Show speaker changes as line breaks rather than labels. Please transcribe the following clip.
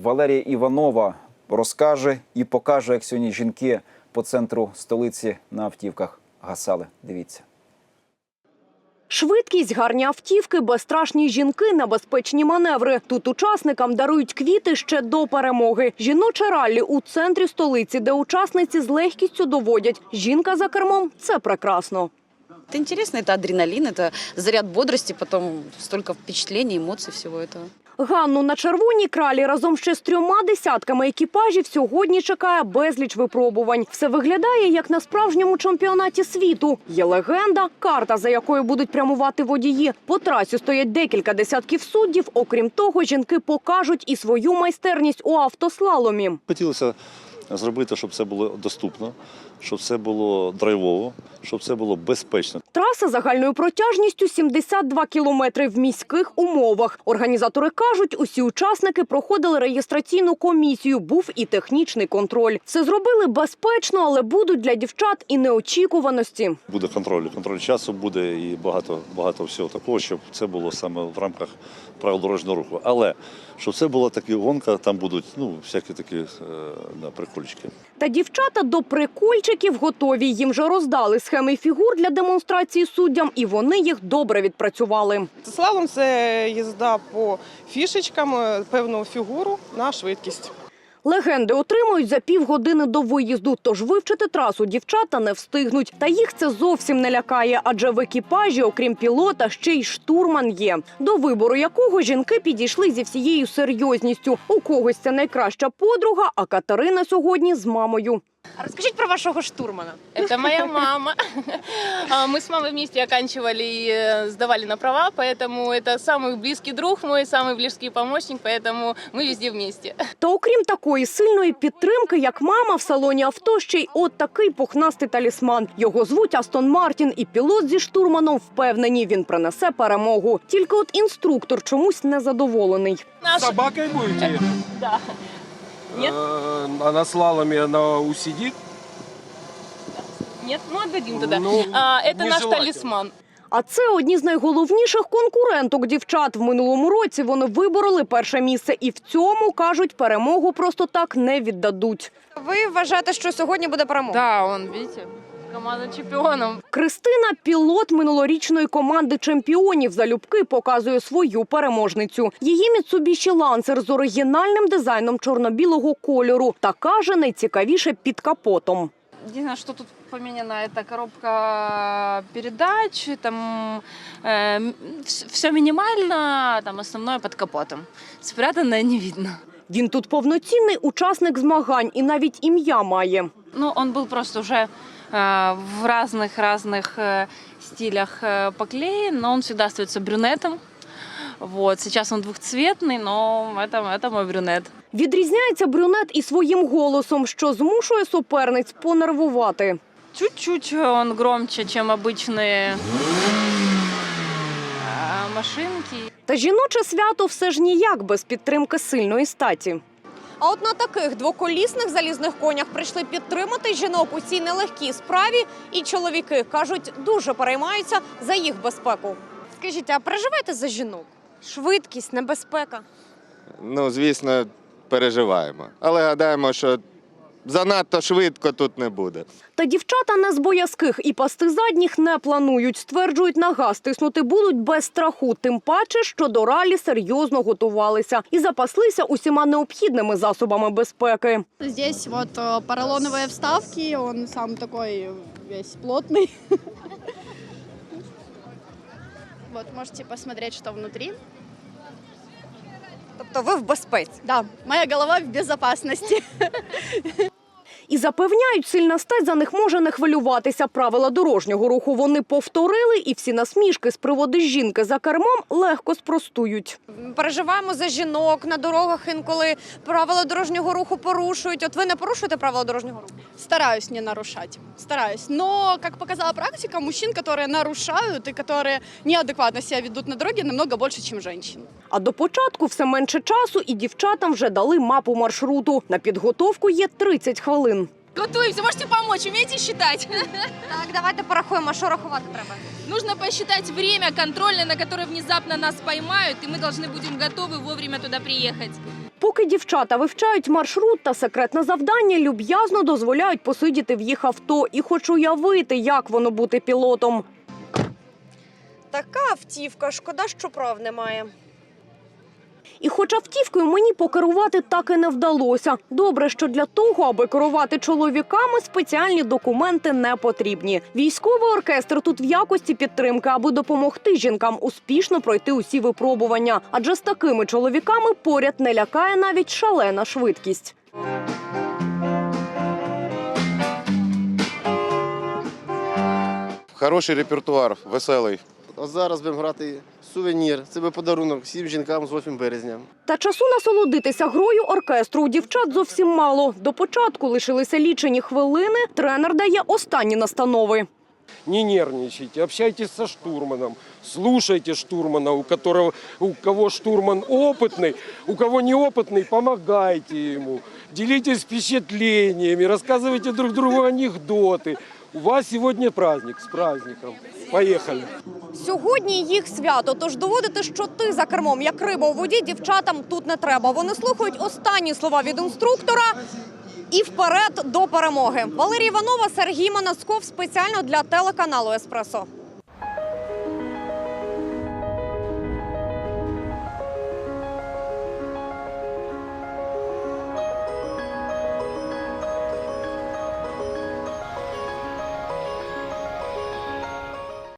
Валерія Іванова розкаже і покаже, як сьогодні жінки по центру столиці на автівках гасали. Дивіться.
Швидкість, гарні автівки, безстрашні жінки, небезпечні маневри. Тут учасникам дарують квіти ще до перемоги. Жіноче раллі у центрі столиці, де учасниці з легкістю доводять. Жінка за кермом – це прекрасно.
Это интересно, это адреналин, это заряд бодрости, потом столько впечатлений, эмоций, всего этого.
Ганну на червоній кралі разом ще з 3 десятками екіпажів сьогодні чекає безліч випробувань. Все виглядає, як на справжньому чемпіонаті світу. Є легенда, карта, за якою будуть прямувати водії. По трасі стоять декілька десятків суддів. Окрім того, жінки покажуть і свою майстерність у автослаломі.
Хотілося зробити, щоб це було доступно, щоб це було драйвово, щоб це було безпечно.
Траса загальною протяжністю 72 кілометри в міських умовах. Організатори кажуть, усі учасники проходили реєстраційну комісію, був і технічний контроль. Все зробили безпечно, але будуть для дівчат і неочікуваності.
Буде контроль часу, буде і багато всього такого, щоб це було саме в рамках правил дорожнього руху. Але щоб це була така гонка, там будуть всякі такі прикольчики.
Та дівчата до прикольчиків готові. Їм вже роздали схеми фігур для демонстрації суддям, і вони їх добре відпрацювали.
Слалом – це їзда по фішечкам, певну фігуру на швидкість.
Легенди отримують за півгодини до виїзду, тож вивчити трасу дівчата не встигнуть. Та їх це зовсім не лякає, адже в екіпажі, окрім пілота, ще й штурман є, до вибору якого жінки підійшли зі всією серйозністю. У когось це найкраща подруга, а Катерина сьогодні з мамою.
А расскажите про вашего штурмана.
Это моя мама. Мы с мамой вместе оканчивали и сдавали на права, поэтому это самый близкий друг мой, самый близкий помощник, поэтому мы везде вместе.
Та окрім такої сильної підтримки, як мама, в салоні авто ще й от такий пухнастий талісман. Його звуть Астон Мартін, і пілот зі штурманом впевнені, він принесе перемогу. Тільки от інструктор чомусь незадоволений.
Собакой будете?
Да. Нет?
А на слаломе она усидит?
Нет, отдадим туда. Это наш талисман.
А це одні з найголовніших конкуренток дівчат. В минулому році вони вибороли перше місце і в цьому, кажуть, перемогу просто так не віддадуть.
Ви вважаєте, що сьогодні буде перемога?
Да, он, видите, команда чемпіонів.
Кристина – пілот минулорічної команди чемпіонів. Залюбки показує свою переможницю. Її Mitsubishi Lancer з оригінальним дизайном чорно-білого кольору. Та каже, найцікавіше під капотом.
Единственное, что тут поменяно, это коробка передач, там все минимально, там основное под капотом. Спрятанное не видно.
Він тут повноцінний учасник змагань і навіть ім'я має.
Ну, он был просто уже в разных стилях поклеен, но он всегда остается брюнетом. Вот. Сейчас он двухцветный, но это мой брюнет.
Відрізняється брюнет і своїм голосом, що змушує суперниць понервувати.
Чуть-чуть он громче, чем обычные машинки.
Та жіноче свято все ж ніяк без підтримки сильної статі.
А от на таких двоколісних залізних конях прийшли підтримати жінок у цій нелегкій справі. І чоловіки, кажуть, дуже переймаються за їх безпеку. Скажіть, а переживаєте за жінок? Швидкість, небезпека?
Ну, звісно, переживаємо. Але гадаємо, що занадто швидко тут не буде.
Та дівчата не з боязких і пасти задніх не планують. Стверджують, на газ тиснути будуть без страху. Тим паче, що до ралі серйозно готувалися і запаслися усіма необхідними засобами безпеки.
Здесь вот поролоновые вставки, он сам такой весь плотный. Вот, можете посмотреть, что внутри.
Тобто ви в безпеці?
Да, моя голова в безопасности.
І запевняють, сильна стать за них може не хвилюватися. Правила дорожнього руху вони повторили, і всі насмішки з приводу жінки за кермом легко спростують.
Переживаємо за жінок на дорогах, інколи правила дорожнього руху порушують. От ви не порушуєте правила дорожнього руху?
Стараюсь не нарушать, стараюсь. Но, как показала практика, мужчин, которые нарушают и которые неадекватно себя ведут на дороге, намного больше, чем женщин.
А до початку все менше часу, і дівчатам вже дали мапу маршруту. На підготовку є 30 хвилин.
Готовимся, можете помочь, умеете считать?
Так, давайте порахуємо, що рахувати треба.
Нужно посчитать время контрольное, на которое внезапно нас поймают, и мы должны будем готовы вовремя туда приехать.
Поки дівчата вивчають маршрут та секретне завдання, люб'язно дозволяють посидіти в їх авто і хоч уявити, як воно бути пілотом.
Така автівка, шкода, що прав немає.
І хоч автівкою мені покерувати так і не вдалося. Добре, що для того, аби керувати чоловіками, спеціальні документи не потрібні. Військовий оркестр тут в якості підтримки, аби допомогти жінкам успішно пройти усі випробування. Адже з такими чоловіками поряд не лякає навіть шалена швидкість.
Хороший репертуар, веселий.
А зараз будемо грати сувенір. Це буде подарунок всім жінкам з 8 березня.
Та часу насолодитися грою оркестру у дівчат зовсім мало. До початку лишилися лічені хвилини. Тренер дає останні настанови.
Не нервничайте, общайтесь со штурманом, слушайте штурмана, у кого штурман опытный, у кого неопытный, помогайте ему. Делитесь впечатлениями, рассказывайте друг другу анекдоты. У вас сегодня праздник, с праздником. Поехали.
Сьогодні їх свято, тож доводити, що ти за кермом, як риба у воді, дівчатам тут не треба. Вони слухають останні слова від інструктора і вперед до перемоги. Валерія Іванова, Сергій Манасков спеціально для телеканалу «Еспресо».